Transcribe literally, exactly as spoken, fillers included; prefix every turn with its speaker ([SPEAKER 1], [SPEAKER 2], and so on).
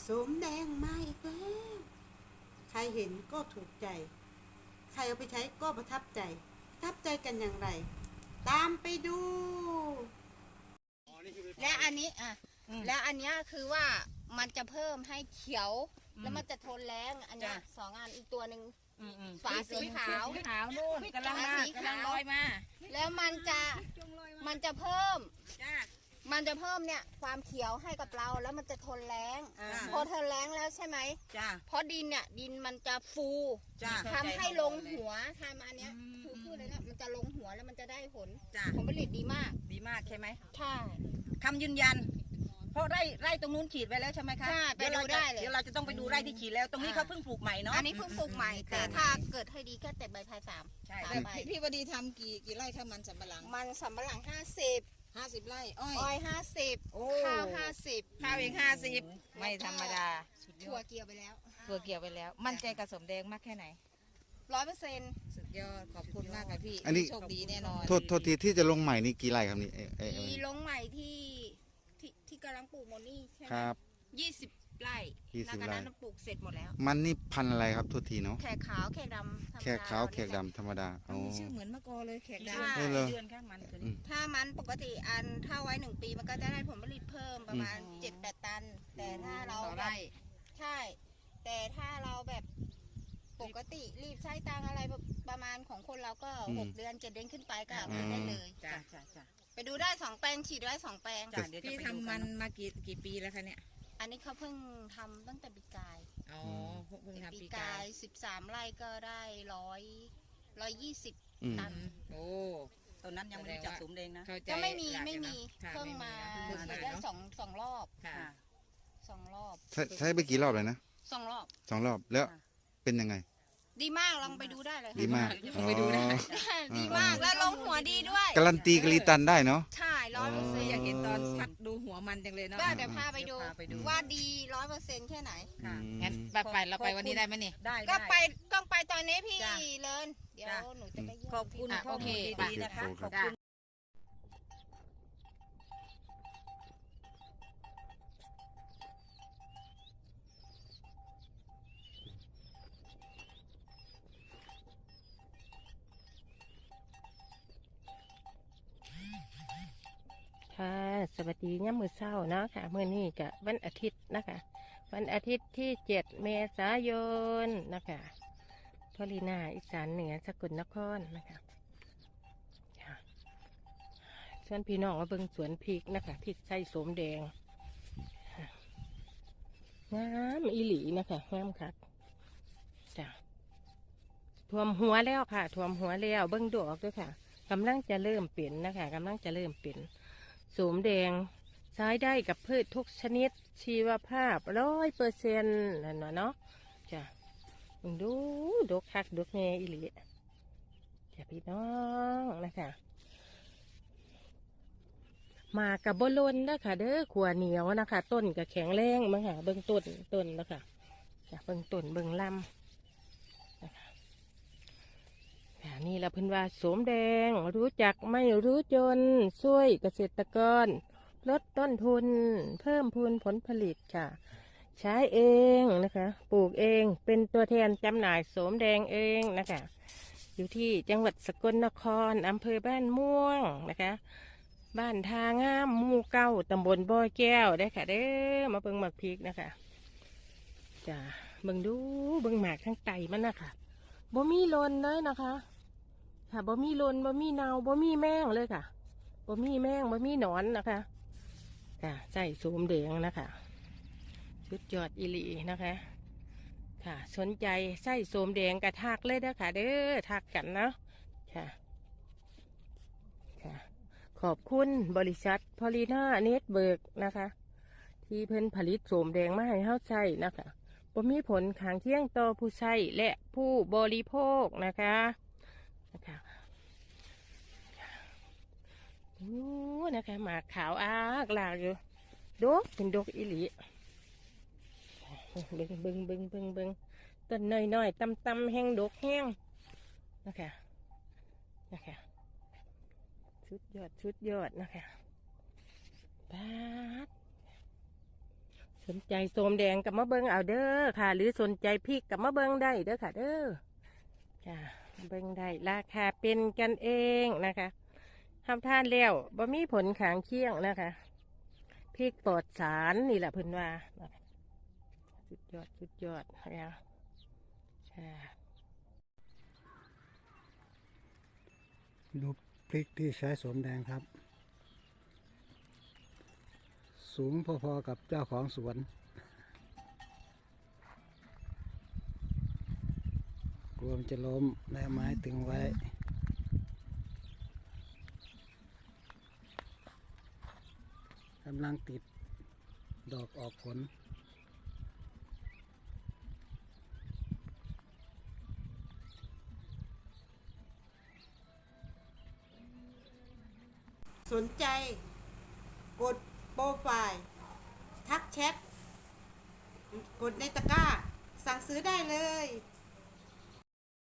[SPEAKER 1] สมแดงมาอีกแล้วใครเห็นก็ถูกใจใครเอาไปใช้ก็ประทับใจประทับใจกันอย่างไรตามไปดู
[SPEAKER 2] และอันนี้อ่ะและอันนี้คือว่ามันจะเพิ่มให้เขียวแล้วมันจะทนแรงอันนี้สองอันอีกตัวหนึ่งฝาสีขาว
[SPEAKER 3] ขาวนู่นกำลังมากำลังลอยมา
[SPEAKER 2] แล้วมันจะมันจะเพิ่มมันจะเพิ่มเนี่ยความเขียวให้กับเราแล้วมันจะทนแรงพอทนแรงแล้วใช่ไหม
[SPEAKER 3] จ้า
[SPEAKER 2] เพราะดินเนี่ยดินมันจะฟูทำให้ลงหัวทำอันเนี้ยคือพูดเลยนะมันจะลงหัวแล้วมันจะได้ผลผลผลิตดีมาก
[SPEAKER 3] ดีมากใช่ไหม
[SPEAKER 2] ใช่
[SPEAKER 3] คำยืนยันเพราะไร่ไร่ตรงนู้นฉีดไปแล้วใช่ไหมคะ
[SPEAKER 2] ใช่ไปดูได้เลย
[SPEAKER 3] เดี๋ยวเราจะต้องไปดูไร่ที่ฉีดแล้วตรงนี้เขาเพิ่งปลูกใหม่เนาะ
[SPEAKER 2] อันนี้เพิ่งปลูกใหม่แต่ถ้าเกิดให้ดีแค่แต่ใบพายสาม
[SPEAKER 3] ใช่
[SPEAKER 4] พี่วดีทำกี่กี่ไร่ข้าวมันสำปะหลัง
[SPEAKER 2] มันสำปะหลังห้าสิบ
[SPEAKER 4] ห้าสิบไร่อ้อย
[SPEAKER 2] อ้อยห้าสิบข้าวห้าสิบ
[SPEAKER 3] ข้าวอีกห้าสิบไม่ธรรมดา
[SPEAKER 2] ถั่วเกี่ยวไปแล้ว
[SPEAKER 3] ถั่วเกี่ยวไปแล้วมั่นใจกับสมแดงมากแค่ไหน
[SPEAKER 2] ร้อยเปอร์เซ็นต์
[SPEAKER 4] สุดยอดขอบคุณมากค่ะพี่
[SPEAKER 5] อันนี้
[SPEAKER 4] โชคดีแน่นอน
[SPEAKER 5] โทษโทษทีที่จะลงใหม่นี่กี่ไร่ครับนี่
[SPEAKER 2] ที่ลงใหม่ที่ที่ที่กำลังปลูกโมนี่ใช่ไหม
[SPEAKER 5] ครับ
[SPEAKER 2] ยี่สิบไร่
[SPEAKER 5] ยี่สิบไร่
[SPEAKER 2] นั้นปลูกเสร็จหมดแล้ว
[SPEAKER 5] มันนี่พันอะไรครับโทษทีเนาะ
[SPEAKER 2] แขกขาวแขกดำ
[SPEAKER 5] แขกขาวแขกดำธรรมดา
[SPEAKER 4] อ๋อมีชื่อเหมือนมะกอเลยแขกด
[SPEAKER 2] ำ
[SPEAKER 5] เดื
[SPEAKER 3] อนข้างมัน
[SPEAKER 2] ถ้ามันปกติอันถ้าไว้หนึ่งปีมันก็จะได้ผลผลิตเพิ่มประมาณเจ็ดแปดตันแต่ถ้าเราแบบใช่แต่ถ้าเราแบบปกติรีบใช้ตังอะไรประมาณของคนเราก็หกเดือนเจ็ดเดือนขึ้นไปก็เอาได้เลย
[SPEAKER 3] จ้าจ้าจ้า
[SPEAKER 2] ไปดูได้สองแปลงฉีดได้สองแปลง
[SPEAKER 4] พี่ทำมันมากี่กี่ปีแล้วคะเนี่ย
[SPEAKER 2] อันนี้เขาเพิ่งทำตั้งแต่ปีกาย
[SPEAKER 4] อ๋อเพิ่งทำ
[SPEAKER 2] ปีกายสิบสามไร่ก็ได้ร้อยร้อยยี่สิบตัน
[SPEAKER 4] โอ้
[SPEAKER 3] ตอนนั้นยังไม่ได้จับสมแดงนะ
[SPEAKER 2] ก็ไม่มีไม่มีเพิ่งมาได้สองสองรอบสองรอบ
[SPEAKER 5] ใช้ไปกี่รอบเลยนะ
[SPEAKER 2] สองรอบ
[SPEAKER 5] สองรอบแล้วเป็นยังไง
[SPEAKER 2] ดีมากลองไปดูได้เลย
[SPEAKER 5] ดีมาก
[SPEAKER 2] ไปดูได้ดีมากแล้วลงหัวดีด้วย
[SPEAKER 5] การันตีกรีตันได้เนาะ
[SPEAKER 2] ใช่ร้อยเปอร์เซ็นต์
[SPEAKER 4] อยากเห็นตอนพัดดูหัวมันจังเลยเนาะ
[SPEAKER 2] เดี๋ยวพาไปดูว่าดีร้อยเปอร์เซ็นต์แค่ไหน
[SPEAKER 4] งั้นไปเราไปวันนี้ได้ไหมนี่
[SPEAKER 3] ได้
[SPEAKER 2] ก็ไปต้องไปตอนนี้พี่เลินเดี๋ยวหนูจะไป
[SPEAKER 3] ขอบคุณข้อมูลดีๆนะคะขอบคุณ
[SPEAKER 6] ค่ะสวัสดีย่ำมือเศร้าเนาะค่ะเมื่อนี้กะวันอาทิตย์นะคะวันอาทิตย์ที่เจ็ดเมษายนนะคะพอลีนาอีสานเหนือสกลนครนะคะส่วนพี่น้องมาเบิ่งสวนพริกนะคะพริกไส้สมแดงงามอีหลีนะคะงามค่ะจ้ะท่วมหัวแล้วค่ะท่วมหัวแล้วเบิ่งดอกด้วยค่ะกำลังจะเริ่มเปลี่ยนนะคะกำลังจะเริ่มเปลี่ยนสมแดงใช้ได้กับพืชทุกชนิดชีวภาพร้อยเปอร์เซ็นต์นั่นวะเนาะจ้ะดูดกคักดกแง่อีหลีจ้ะพี่น้องนะคะมากับบลนนะคะเด้อขวเหนียวนะคะต้นกับแข็งแรงมั้งค่ะเบิ้งต้นต้นนะคะจ้ะเบิ้งต้นเบิ้งลำนะคะนี่แหละเพิ่นว่าสมแดงรู้จักไม่รู้จนช่วยเกษตรกรลดต้นทุนเพิ่มพูนผลผลิตค่ะใช้เองนะคะปลูกเองเป็นตัวแทนจำหน่ายสมแดงเองนะคะอยู่ที่จังหวัดสกลนครอำเภอบ้านม่วงนะคะบ้านทางามหมู่เก้าตำบลบ่อแก้วได้ค่ะเด้อมาเบิ่งหมากพริกนะคะจ้ะเบิ่งดูเบิ่งหมากทั้งไตมันนะคะบ่มีลนเลยนะคะค่ะบ่มีลนบ่มีเนาบ่มีแมงเลยค่ะบ่มีแมงบ่มีหนอนนะคะค่ะใส่สมแดงนะคะชุดยอดอิลีนะคะค่ะสนใจใส่สมแดงกระทักเลยนะคะเด้อทักกันนะค่ะค่ะขอบคุณบริษัทพอลีน่าเน็ตเบิร์กนะคะที่เพิ่นผลิตสมแดงมาให้เฮาใช้นะคะบ่มีผลข้างเคียงต่อผู้ใช้และผู้บริโภคนะคะนะคะโอ้นะคะหมากขาวอากลากอยู่ดกเป็นดกอิหลีเบิ้งเบิ้งเบิ้งเบิ้งเบิ้งต้นน้อยๆตำตำแห้งดกแห้งนะคะนะคะชุดยอดชุดยอดนะคะบาดสสนใจโสมแดงกับมะเบิงเอาเด้อค่ะ หรือสนใจพริกกับมะเบิงได้เด้อค่ะ เด้อจ้าเบิงได้ราคาเป็นกันเองนะคะทำทานแล้วบ่มีผลขางเคียงนะคะพริกปลอดสารนี่แหละเพิ่นว่าสุดยอดสุดยอดแล้วค่ะ
[SPEAKER 7] ดูพริกที่ใช้สวมแดงครับ สูงพอๆกับเจ้าของสวนกลัวมันจะล้มแล้วไม้ตึงไว้กำลังติดดอกออกผล
[SPEAKER 1] สนใจ กดโปรไฟล์ ทักแชท กดในตะกร้า สั่งซื้อได้เลย